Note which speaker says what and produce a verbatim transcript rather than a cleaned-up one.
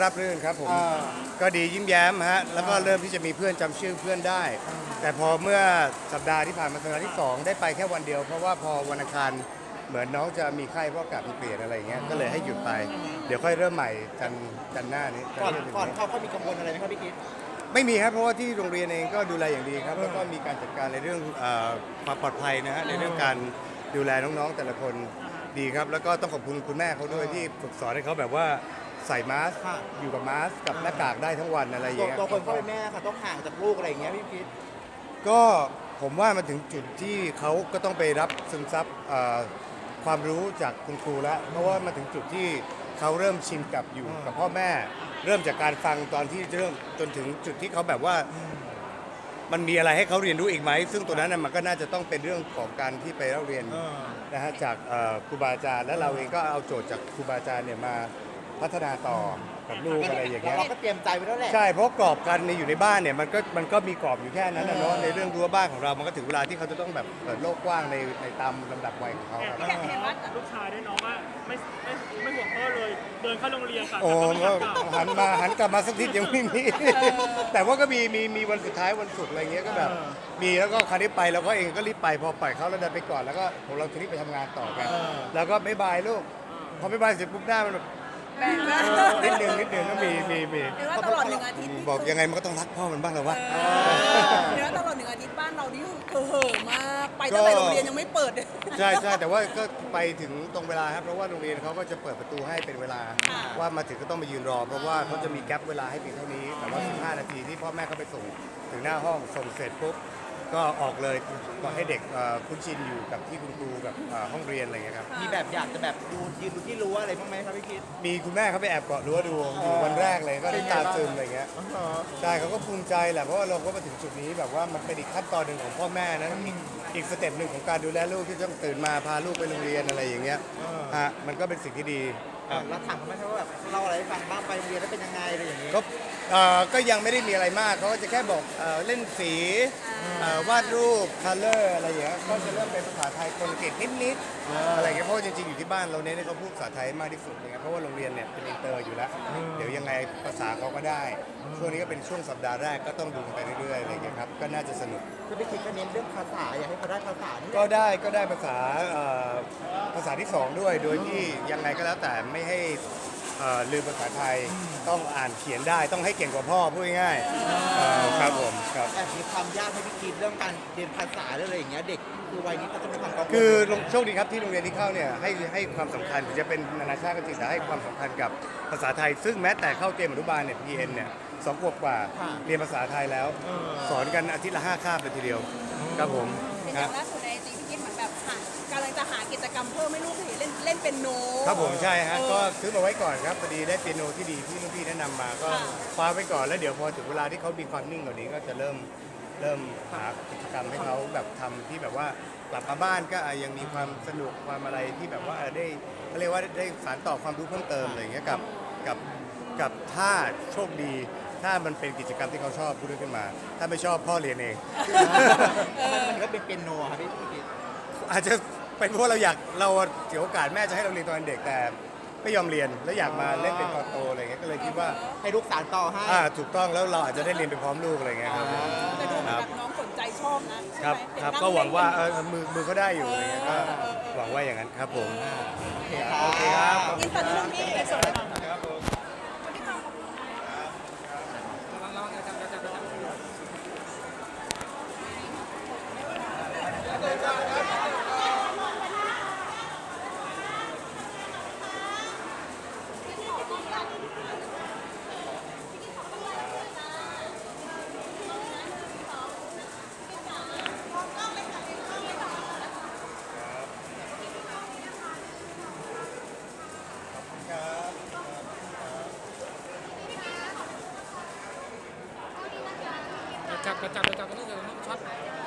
Speaker 1: รับรื่นครับผมก็ดียิ้มแย้มฮะแล้วก็เริ่มที่จะมีเพื่อนจำชื่อเพื่อนได้ แต่พอเมื่อสัปดาห์ที่ผ่านมาสัปดาห์ที่สองได้ไปแค่วันเดียว เพราะว่าพอวันอังคารเหมือนน้องจะมีไข้เพราะอากาศมันเปลี่ยนอะไรอย่างเงี้ยก็เลยให้หยุดไป เดี๋ยวค่อยเริ่มใหม่จันทร์จันทร์หน้านี้
Speaker 2: ก่อน
Speaker 1: จันทร์ที่จะถึง
Speaker 2: ก่อนเข้าเขามีกังวลอะไรไหมครับพี่กิ๊ฟ
Speaker 1: ไม่มีครับเพราะว่าที่โรงเรียนเองก็ดูแลอย่างดีครับแล้วก็มีการจัดการในเรื่องเอ่อความปลอดภัยนะฮะในเรื่องการดูแลน้องๆแต่ละคนดีครับแล้วก็ต้องขอบคุณคุณแม่เขาด้วยที่ฝึกสอนให้เขาแบบว่าใส่มาสก์อยู่กับมาสก์กับหน้ากากได้ทั้งวันอะไรอย่าง
Speaker 2: ตัว
Speaker 1: เงี้ย
Speaker 2: ตัวคนเข้าเป็นแม่ค่ะต้องห่างจากลูกอะไรอย่างเงี้ยพี่กิ๊ฟ
Speaker 1: ก็ผมว่ามาถึงจุดที่เขาก็ต้องไปรับซึมซับเอ่อความรู้จากคุณครูแล้วเพราะว่ามาถึงจุดที่เขาเริ่มชินกับอยู่กับพ่อแม่ เริ่มจากการฟังตอนที่เริ่มจนถึงจุดที่เขาแบบว่ามันมีอะไรให้เขาเรียนรู้อีกไหมซึ่งตัวนั้นน่ะมันก็น่าจะต้องเป็นเรื่องของการที่ไปเล่าเรียนนะฮะจากเอ่อครูบาอาจารย์และเราเองก็เอาโจทย์จากครูบาอาจารย์เนี่ยมาพัฒนาต่อกับลูกอะไรอย่างเงี้ย
Speaker 2: เราก็เตรียมใจไว้แล้วแหละ
Speaker 1: ใช่เพราะกรอบการในอยู่ในบ้านเนี่ยมันก็มันก็มีกรอบอยู่แค่นั้นนะเนาะในเรื่องรั้วบ้านของเรามันก็ถึงเวลาที่เขาจะต้องแบบเปิดโลกกว้างในในตามลำดับวัยของเขาครับ
Speaker 3: เห็นว่าลูกชายด้วยน้องว่าไม่ไม่ไม่ห่วงพ่อเลย เดินเข้าโรงเรียนค่ะ
Speaker 1: โอ้
Speaker 3: แต่
Speaker 1: ก็
Speaker 3: ก็ไม่ทำกลับ
Speaker 1: หันมาหันกลับมาสักทียังไม่มี แต่ว่าก็มีมีมีวันสุดท้ายวันศุกร์อะไรเงี้ยก็แบบมีแล้วก็คราวนี้ไปเราก็เองก็รีบไปพอปล่อยเขาแล้วเดินไปก่อนแล้วก็ผมเราทีนี้ไปทำงานต่อกันแล้วก็บ๊ายบายลูกพอบ๊ายบายเสร็จปุ๊บหน้ามันแบบ
Speaker 4: แบ่งนะ
Speaker 1: นิดนึงนิดนึงก็มีมีมี
Speaker 4: เห็นว่าตลอดหนึ่งอาทิตย์
Speaker 1: บอกยังไงมันก็ต้องรักพ่อมันบ้างแล้ววะ
Speaker 4: เห็นว่าตลอดหนึ่งอาทิตย์บ้านเรานี่คือเห่อะมากไปตั้งแต่โรงเรียนยังไม่เปิดเลย
Speaker 1: ใช่ใช่แต่ว่าก็ไปถึงตรงเวลาครับเพราะว่าโรงเรียนเขาก็จะเปิดประตูให้เป็นเวลา
Speaker 4: ค่ะ
Speaker 1: ว่ามาถึงก็ต้องมายืนรอ เพราะว่าเขาจะมีแกลบเวลาให้เพียงเท่านี้แต่ว่าสิบห้านาทีที่พ่อแม่เขาไปส่งถึงหน้าห้องส่งเสร็จปุ๊บก็ออกเลยก็ให้เด็กเอ่อคุ้นชินอยู่กับที่คุณครูกับเอ่อห้องเรียนอะไรอย่างเงี้ยครับ
Speaker 2: มีแบบอยากจะแบบดูยืนดูที่รั้วอะไรบ้างไหมครับพี่กิ๊ฟ
Speaker 1: มีคุณแม่เขาไปแอบเกาะรั้วดูอยู่วันแรกเลยก็ได้ตาซึมอะไรเงี้ยใช่เขาก็ภูมิใจแหละเพราะว่าเราก็มาถึงจุดนี้แบบว่ามันเป็นอีกขั้นตอนหนึ่งของพ่อแม่นะอีกอีกสเต็ปหนึ่งของการดูแลลูกที่ต้องตื่นมาพาลูกไปโรงเรียนอะไรอย่างเงี้ยฮะมันก็เป็นสิ่งที่ดีครับ
Speaker 2: เราถามเขาไหมครับว่าแบบเล่าอะไรให้ฟังบ้างไปโรงเรียนแล้วเป็นยังไงอะไรอย่างเงี้ย
Speaker 1: ก็เอ่อก็ยังไม่ได้มีอะไรมากเขาก็จะแค่บอกเอ่อเล่นสีเอ่อวาดรูปคัลเลอร์อะไรอย่างเงี้ยก็จะเริ่มเป็นภาษาไทยคนอังกฤษนิดๆอะไรเงี้ยเพราะว่าจริงๆอยู่ที่บ้านเราเน้นให้เขาพูดภาษาไทยมากที่สุดเลยเพราะว่าโรงเรียนเนี่ยเป็นอินเตอร์อยู่แล้วเดี๋ยวยังไงภาษาเขาก็ได้ช่วงนี้ก็เป็นช่วงสัปดาห์แรกก็ต้องดูกันไปเรื่อยๆอะไรเงี้ยครับก็น่าจะสนุก
Speaker 2: คือพี่กิ๊ฟก็เน้นเรื่องภาษาอยากให้เขาได้ภาษานี่แหละ
Speaker 1: ก็ได้ก็ได้ภาษาเอ่อภาษาที่สองด้วยโดยที่ยังไงก็แล้วแต่ไม่ให้เอ่อลืมภาษาไทยต้องอ่านเขียนได้ต้องให้เก่งกว่าพ่อพูดง่ายๆเอ่อครับผมครับ
Speaker 2: แอบมีความยากให้พี่กิ๊ฟเรื่องการเรียนภาษาเรื่องอะไรอย่างเงี้ยเด็กคือวัยนี้เขาจะมีความกังวล
Speaker 1: คือโชคดีครับที่โรงเรียนที่เข้าเนี่ยให้ให้ความสำคัญถึงจะเป็นนานาชาติก็จริงแต่ให้ความสำคัญกับภาษาไทย ซึ่งแม้แต่เข้าเตรียมอนุบาลเนี่ย พี เอ็น เนี่ยสองขวบกว่าเรียนภาษาไทยแล้ว สอนกันอาทิตย์ละห้าคาบเลยทีเดียวครับผม
Speaker 4: อย่าง
Speaker 1: ครับ
Speaker 4: ล่าสุดในจีพี่กิ๊ฟเหมือนแบบหากำลังจะหากิจกรรมเพิ่มให้ลูกเห็นเล่นเล่นเป็นโน
Speaker 1: ครับผมใช่ฮะ
Speaker 4: เออ
Speaker 1: ก็ซื้อมาไว้ก่อนครับพอดีได้เปียโนที่ดีที่รุ่นพี่แนะนำมาก็
Speaker 4: ค่ะ
Speaker 1: คว้าไว้ก่อนแล้วเดี๋ยวพอถึงเวลาที่เขามีความนิ่งกว่านี้ก็จะเริ่มเริ่มหากิจกรรมให้เขาแบบทำที่แบบว่ากลับมาบ้านก็อ่ะยังมีความสนุกความอะไรที่แบบว่าเออได้เขาเรียกว่าได้สานต่อความรู้เพิ่มเติมอะไรอย่างเงี้ยกับกับกับถ้าโชคดี ถ้ามันเป็นกิจกรรมที่เขาชอบพูดขึ้นมา ถ้าไม่ชอบพ่อเรียนเอง
Speaker 2: มันมันก็เป็นเปียโนครับพี่กิ๊ฟ
Speaker 1: อาจจะเป็นเพราะเราอยากเราเสียโอกาสแม่จะให้เราเรียนตอนเด็กแต่ไม่ยอมเรียนแล้วอยากมาเล่นเป็นตอนโตอะไรเงี้ยก็เลยคิดว่า
Speaker 2: ให้ลูกสานต่อให้
Speaker 1: อ่าถูกต้องแล้วเราอาจจะได้เรียนไปพร้อมลูกอะไรเงี้ยครับผม
Speaker 4: แต่ดูเหมือนแบบน้องสนใจชอบนะ
Speaker 1: ครั
Speaker 4: ใช่
Speaker 1: บ
Speaker 4: ไหม
Speaker 1: ครับ
Speaker 4: เนนั่
Speaker 1: ก็หวังว่าเอ
Speaker 4: เล่
Speaker 1: อน มือมือเขาได้อยู่อะไรเงี้ยก็หวังว่าอย่างนั้นครับผม
Speaker 2: โอเค
Speaker 1: โอเคครับ
Speaker 4: อินสตาแกรมพี่สดเลยนะ
Speaker 3: จับจับจับจับนี่จะช็อต